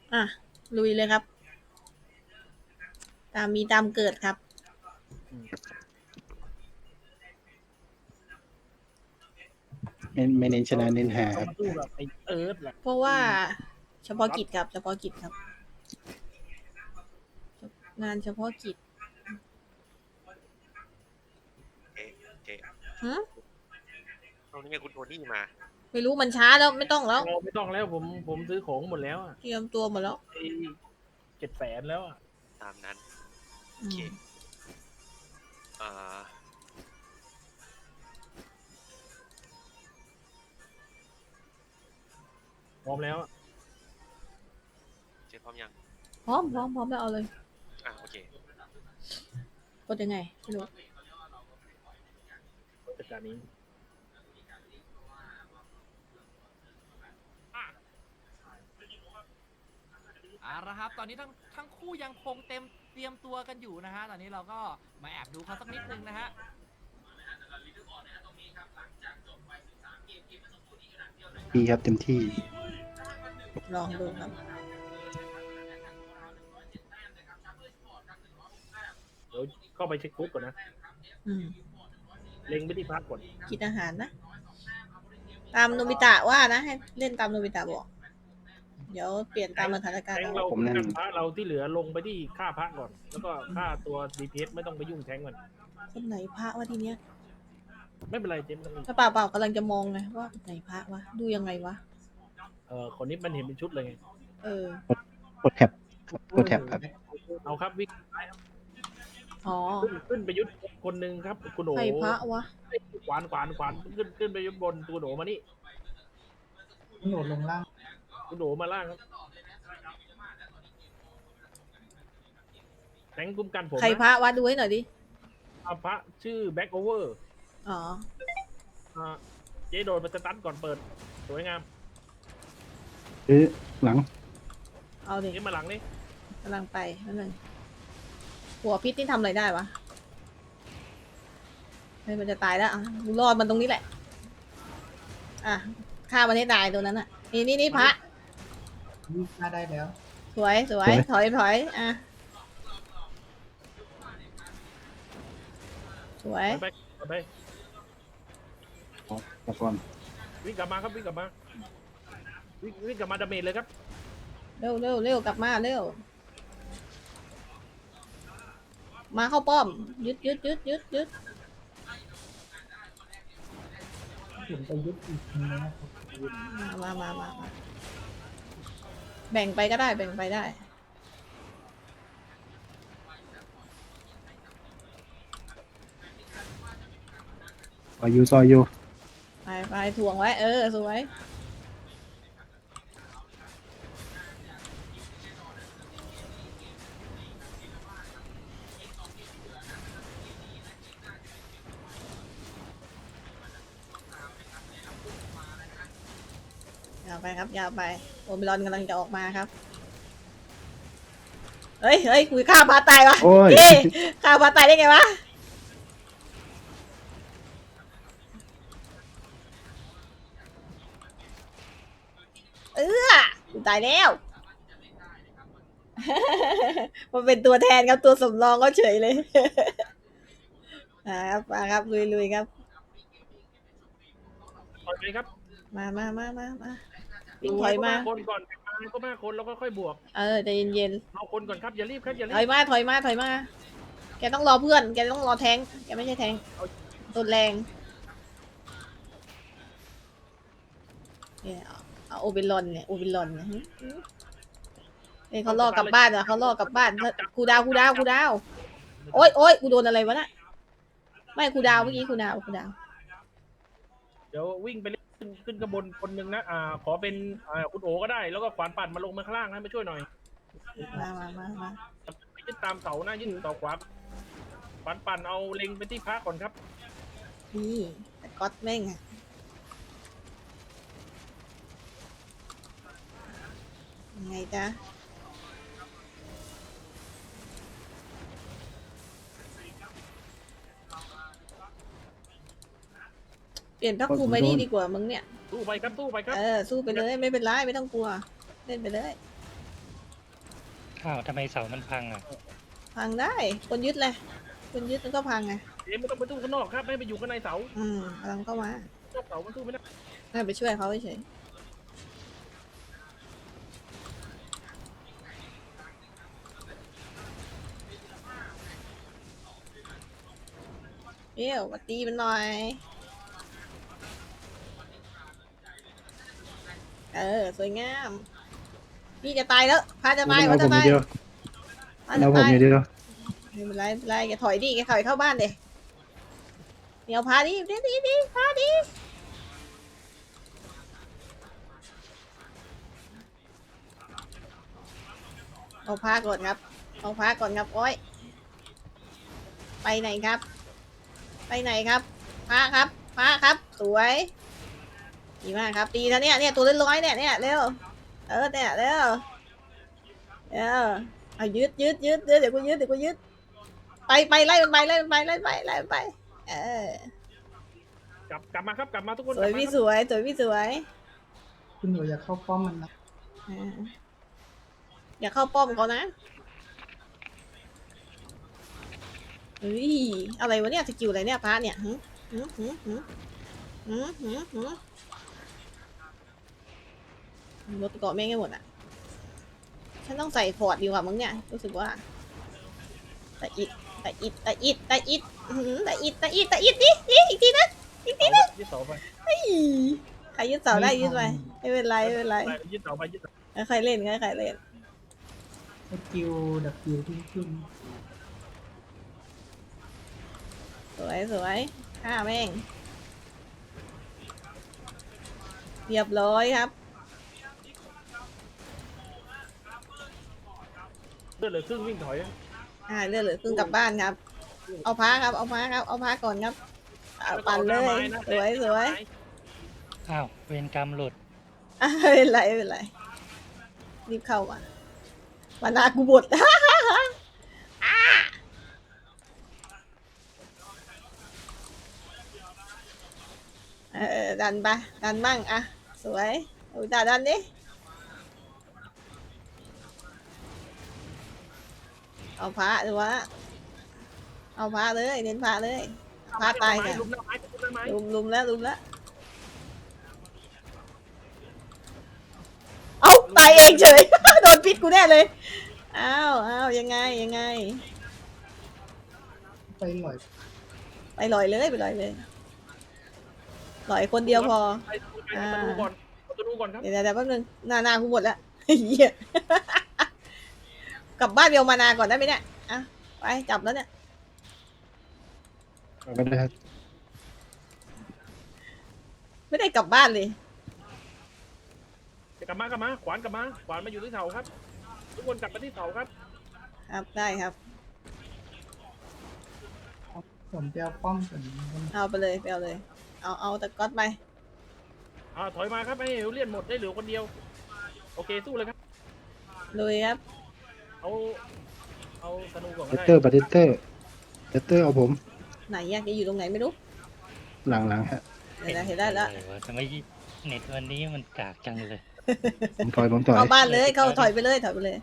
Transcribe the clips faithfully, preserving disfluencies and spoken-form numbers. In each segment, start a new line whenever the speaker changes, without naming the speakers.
อ่ะลุยเลยครับ ตามมีตามเกิดครับ
ไม่ไม่เน้นชนะเน้นหาค
เรา
รับ
มาสู้กับไอเอิร์ธแหละ
เพราะว่าเฉพาะกิจครับ เฉพาะกิจครับ งานเฉพาะกิจ
เจ๊เจ๊
ฮะ
เอานี่ไงคุณโทนี่มา
ไม่รู้มันช้าแล้วไม่ต้องแล้ว
เราไม่ต้องแล้วผมผมซื้อของหมดแล้วอะ
เตรียมตัวหมดแล้ว
ไอเจ็ดแสนแล้วอะ
ตามนั้น
อืม
อ่า
พร้อมแล้วอะ
เจ๊พร้อมยัง
พร้อมพร้อมพร้อมแล้วเอาเลย
อ่ะโอเค
กดยังไงไม่รู้
จัดการนี้
เอาละครับตอนนี้ทั้งทั้งคู่ยังคงเต็มเตรียมตัวกันอยู่นะฮะตอนนี้เราก็มาแอบดูเขาสักนิดนึงนะฮะ
ดีครับเต็มที่
ลองดูครับ
เดี๋ยวเข้าไปเช็คฟุตก่อนนะ
อืม
เล็งไปที่พักก่อน
กินอาหารนะ ตามโนบิตะว่านะให้เล่นตามโนบิตะบอก เดี๋ยวเปลี่ยนตามสถานการณ์
แทง
เอา
เรา
ผมนั่น
กันพระเราที่เหลือลงไปที่ค่าพระก่อน แล้วก็ค่าตัว ดี พี เอส ไม่ต้องไปยุ่งแทงก่อน
คนไหนพระวะทีเนี้ย
ไม่เป็นไรเจมส์ไม่ต้อง
ถ้าเปล่าเปล่ากำลังจะมองไงว่าไหนพระวะดูยังไงวะ
เออคนนี้มันเห็นเป็นชุดเลยไง
เออ
กดแท็บครับกดแท็บครับ
เอาครับวิ่ง
อ๋อ
ขึ้นขึ้นไปยุดคนหนึ่งครับคุณโอ
ใครพระวะ
ขวานขวานขวานขึ้นขึ้นไปยุดบนตัวโหนมานี่
โหนดลงล่าง
คุณโหนมาล่างครับแทงคุ้มกันผม
ใครพ
นะ
ระวะดูให้หน่อยดิ
อาพระชื่อแบ็กโอเวอร์
อ๋อ
อ่าเจโดนมาสตันก่อนเปิด สวยงาม
หรือหลัง
เอาดิ
เจมาหลังนี่
กำลังไปนั่นนึงหัวพิษนี่ทำอะไรได้วะเฮ้ยมันจะตายแล้วอ่ะกูรอดมันตรงนี้แหละ อ่ะฆ่ามันให้ตายตัวนั้นอ่ะ นี่นี่นี่พระ
วิ่งมาได้แล้ว
สวยสวย
สวย
ถอยถอยอ่ะ สวย
ไปไปไป
แล้วก่อน
วิ่งกลับมาครับวิ่งกลับมาวิ่งวิ่งกลับมาดาเมจเลยครับ
เร็วเร็วเร็วกลับมาเร็ว มาเข้าป้อม ยึดยึดยึดยึดยึด
ถึงไปยึดอีกทีนะครับ
มามามามาแบ่งไปก็ได้ แบ่งไปได้
ซอยยูซอยยู
ไปไปถ่วงไว้ เออ สวย ยาวไปครับ ยาวไป โอมิรอนกำลังจะออกมาครับ เฮ้ยเฮ้ยคุยฆ่าพาตายวะ
โอ้ย
เฮ้ยฆ่าพาตายได้ไงวะ เออกูตายแล้ว มันเป็นตัวแทนครับ ตัวสำรองก็เฉยเลย อ่าครับมาครับ ลุยๆครับ
ถอยไปครับ
มามามามามาวิ่งถอยมา
คนก่อนมาก็มาคนแล้วก็ค่อยบวก
เออใจเย็น
เอาคนก่อนครับอย่ารีบครับอย่า
ๆ
รี
ถอย
บ
มา ถอยมา ถอยมา แกต้องรอเพื่อน แกต้องรอแทง แกไม่ใช่แทงตัวแรงเนี่ยเอาเอาโอเบรอนเนี่ย โอเบรอนเนี่ยหึหึเนี่ยเขาล่อกลับบ้านอ่ะเขาล่อกลับบ้านกูดาวกูดาวกูดาว โอ๊ยโอ๊ยกูโดนอะไรวะน่ะ ไม่กูดาวเมื่อกี้กูดาวกูดาว
เดี๋ยววิ่งไปเล่นขึ้นขึ้นกระบนคนหนึ่งนะอ่าขอเป็นอ่าคุณโอก็ได้แล้วก็ขวานปั่นมาลงมาข้างล่างให้มาช่วยหน่อย
มามามามา
ไปยึดตามเสานะยึดเสาขวาขวานปั่นเอาเล็งไปที่พระก่อนครับ
นี่แต่ก๊อตแม่งอะยังไงจ๊ะ เปลี่ยนพักภูมิไปนี่ดีกว่ามึงเนี่ย
สู้ไปครับสู้ไปครับ
เออ สู้ไปเลย ไม่เป็นไร ไม่ต้องกลัว เล่นไปเลย
อ้าวทำไมเสามันพังอ่ะ
พังได้คนยึดเลยคนยึดมันก็พังไง
เอ็มไม่ต้องไปตู้ข้างนอกครับให้ไปอยู่ข้างในเสา
อืมกำลังเข้ามาน
อกเสามันตู้ไม่ได้
ให้ไปช่วยเขาเฉยเดี๋ยวมาตีมันหน่อยเออสวยงามพี่จะตายแล้วพาจะตาย
เอา
พา
ผ
จะ
มอ
ตา
ย่าย งเดียว
พา
เอา
จะ
ผม
ตาย
อย่างเดียว
ไม่เป็นไรไม่เป็นไรแกถอยดิแกถอยเข้าบ้านเดี๋ยวเดี๋ยวพาดิดิดิดิพาดิเอาพาก่อนครับเอาพาก่อนครับโอ้ยไปไหนครับ ไปไหนครับพาครับพาครับสวยดีมากครับตีนะเนี่ยเนี่ยตัวเล่นร้อยเนี่ยเนี่ยเร็วเออเนี่ยเร็วเร็วเอายึดยึดยึดเดี๋ยวเดี๋ยวกูยึดเดี๋ยวกูยึดไปไปไล่มันไปไล่มันไปไล่มันไปไล่มันไปเออก
ลับกลับมาครับกลับมาทุกคน
สวยพี่สวยสวยพี่สวย
คุณหนูอย่าเข้าป้อมมันนะ
อ่าอย่าเข้าป้อมเขานะเฮ้ยอะไรวะเนี่ยสกิลอะไรเนี่ยพระเนี่ยหืหืหืหืหืหืหืรถเกาะแม่งให้หมดอ่ะฉันต้องใส่ฟอร์ดดีกว่ามั้งเนี่ยรู้สึกว่าแต่อิดแต่อิดแต่อิดแต่อิดหือแต่อิดแต่อิดแต่อิดดิดิอีกทีนะอีกทีนะ
ยึดเสาไป
เฮ้ยใครยึดเสาได้ยึดไปไม่เป็นไรไม่เป็นไร
ไปยึดเสาไปยึดเสา
ใครเล่นใครเล่น
สกิลดับคิวที่ขึ้น
สวยสวยฆ่าแม่งเรียบร้อยครับ
เลือดเหลือครึ่งวิ่งถอย
อ่าเลือดเหลือครึ่งกลับบ้านครับ เอาพ้าครับเอาพ้าครับเอาพ้าก่อนครับเอาปั่นเลยสวยสวย
อ้าวเวรกรรมหลุด
อ่ะไม่เป็นไรไม่เป็นไรรีบเข้ามามานากูบด อ่าเออดันไปดันมั่งอ่ะสวยเอาด่าดันดิเอาพระหรือวะเอาพระเลยเน้นพระเลยพระตาย
ไม้
กัน
ลุมหน้าไม้ลุมหน้าไม้
ลุมลุมแล้วลุมแล้วเอาตายเองเฉย โดนพิษกูแน่เลยอ้าวอ้าวยังไงยังไง
ไปหล่อย
ไปลอยเลยไปลอยเลยลอยคนเดียวพอ
ไปไปประตูก่อนประตูก่อนครับ
เดี๋ยวเดี๋ยวแป๊บนึงหนาหนากูหมดแล้ว เหี้ยกลับบ้านเบลมานาก่อนได้ไหมเนี่ยอ่ะไปจับแล้วเนี่ย
เอาก็ได้ครับ
ไม่ได้กลับบ้านเลย
กลับมากลับมาขวานกลับมาขวานมาอยู่ที่เสาครับ ทุกคนกลับมาที่เสาครับ
ครับได้ครับ
ผมจะเอาป้อมก่อน
เอาไปเลยไปเอาเลย เอาเอาตะก๊อตไป
อ่าถอยมาครับให้เฮลเลียนหมดได้เหลือคนเดียวโอเคสู้เลยครับ
ลุยครับ
เอาเอาธนูก่อน
เด
ก็
ต
ได้
เตอร์บัตเตอร์เดตเตอร์เอาผม
ไหนอยากจะอยู่ตรงไหนไม่รู้
หลังหลังฮะ
เดี๋ยวนะเห็นได้แล้ว
อะไรวะทำไมเน็ตวันนี้มันกากจังเลย
ผมถอยผมถอย
เข้าบ้านเลยเข้าถอยไปเลยถอยไปเลย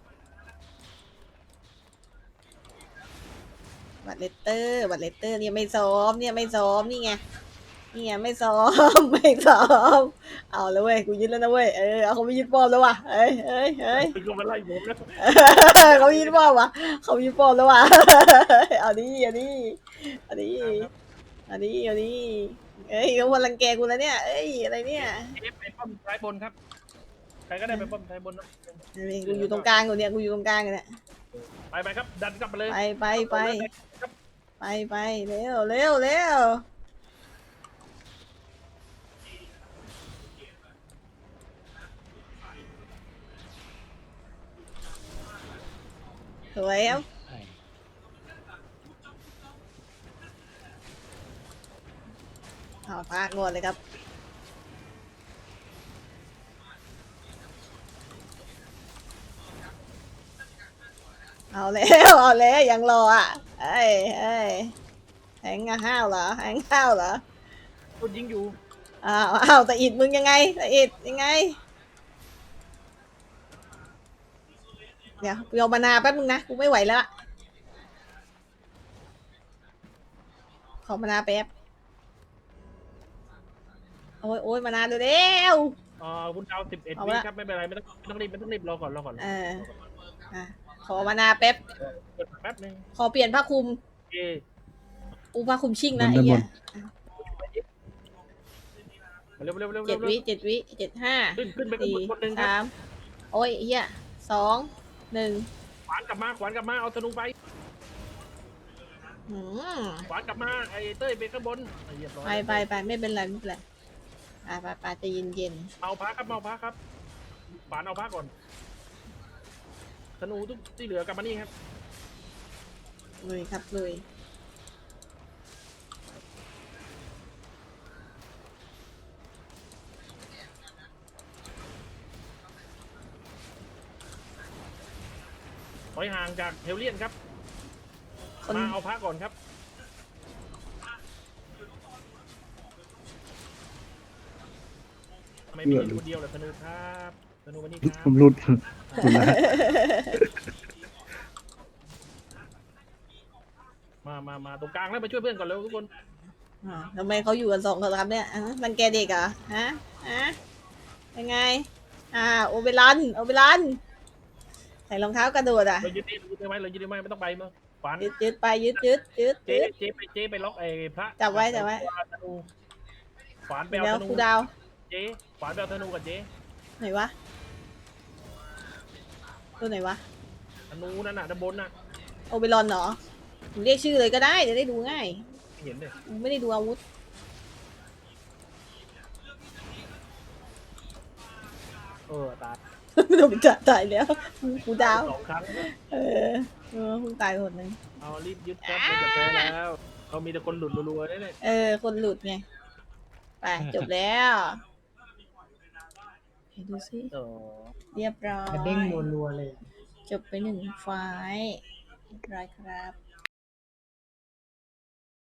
บัตรเลตเตอร์บัตรเลตเตอร์เนี่ยไม่ซ้อมเนี่ยไม่ซ้อมนี่ไงนี่ไงไม่ซ้อม ไม่ซ้อมเอาแล้วเว้ยกูยึดแล้วนะเว้ยเออเอาเขาไม่ยึดป้อมแล้วว่ะเอ้ยเอ้ยเอ้ย
คือเขามาไล่ผมแล้ว
เขายึดป้อมว่ะเขายึดป้อมแล้วว่ะ เอาดิเอาดิเอาดิเอาดิเอาดิเอ้ยเขาวันรังแกกูแล้วเนี่ยเอ้ยอะไรเนี่ย
เอฟไปป้อมซ้ายบนครับใครก็ได้ไปป้อมซ้ายบนนะ
กูอยู่ตรงกลางอยู่เนี่ยกูอยู่ตรงกลางเนี่ย
ไปไปครับดันกลับมาเลย
ไปไปไปไปไปเร็วเร็วเร็วสวยครับ
ไอ้
เอาพากงวดเลยครับเอาแล้วเอาแล้วยังรออ่ะเอ้ยเอ้ยแหงห้าวเหรอแหงห้าวเหรอ
คนยิงอยู่
อ้าวอ้าวแต่อิดมึงยังไงแต่อิดยังไงเดี๋ยวกูเอามานาแป๊บนึงนะกูไม่ไหวแล้วอะขอมานาแป๊บโอ้ยโอ้ยมานาเร็ว
เอ่อคุณดาวสิบเอ็ด
เอา
วิ
ละ
ครับไม่เป็นไรไม่ต้องไม่ต้องรีบไม่ต้องรีบรอก่อนรอก่อน
เอออ่ะขอมานาแป๊บ
เปิดแป๊บนึง
ขอเปลี่ยนผ้าคลุม
โอเค
อูผ้าคลุมชิ่งนะ
บน
ไอ้
ด้านบ
เหี้
น
ย
เร็วเร็วเร็ว
เจ็
เร็
ด
ว
วิเจ็ดวิเจ็ดห้า
ขึ้นขึ้นไปข้าง
สี่
บนคนหนึ่งครับ
สามโอ้ยไอ้เหี้ยสองหนึ่ง
ขวานกลับมาขวานกลับมาเอาธนูไป
หืม
ขวานกลับมาไอ้เต้ยไปข้างบนเรียบร้อย
ไปไปไปไม่เป็นไรไม่เป็นไรไปไปไปใจะเย็นเย็น
เอาพระครับเอาพระครับขวานเอาพระก่อนธนูทุกที่เหลือกลับมานี่ครับ
ๆเลยครับเลย
ถอยห่างจากเฮลเลียนครับ
คน
มาเอาพระก่อนครับทำไมมีคนเดียวเหรอธนูครับธนูมานี่ค
ผ
รับ
มหลุดหลุดแล้วฮะ
มามามาตรงกลางแล้วมาช่วยเพื่อนก่อนเร็วทุกคน
อ่าทำไมเขาอยู่กันสองคนครับเนี่ยอ่ะมันแกเด็กเหรอฮะฮะยังไงอ่าโอเบรันโอเบรันใส่รองเท้ากระโดดอ่ะ
เรายึดได้ยึดได้ไหมเรายึดได้ไหมไม่ต้องไปมั้งขวาน
ยึดยึดไปยึดยึดยึด
เจ๊
ยึด
เจ๊ไปเจ๊ไปล็อกไอ้พระ
จับไว้จับไว้
ธนูขวานไป
เดี๋ยว
เอาธนู
ครูดาว
เจ๊ขวานไปเอาธนูกับเจ๊
ไหนวะตัวไหนวะ
ธนูนั่นน่ะด้านบนน่ะ
โอเบรอนเหรอผมเรียกชื่อเลยก็ได้จะได้ดูง่าย
ไม่เห็นเลย
ผมไม่ได้ดูอาวุธ
เออตาย
โดนจับตายแล้วครูดาว
สองครั้ง
เออเออเพิ่งตายคนหนึง
เอารีบยึดครับเราจะแพ้แล้วเรามีแต่คนหลุดรัวๆเนี่ย
เออ คนหลุดไง ไป จบแล้วเห็นดูสิ
เออ
เรียบร้อย
กระเด้งรัวๆเลย
จบไปหนึ่งไฟล์เรียบร้อยครับ